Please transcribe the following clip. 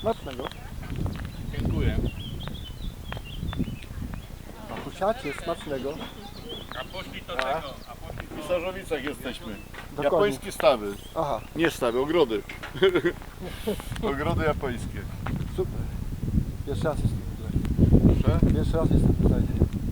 Smacznego. Dziękuję. Makusiacie, smacznego. A poszli do tego, a poszli W Pisarzowicach jesteśmy. Do Japońskie stawy. Aha, Nie stawy, ogrody. Ogrody japońskie. super. Pierwszy raz jestem tutaj. Proszę? Pierwszy raz jestem tutaj.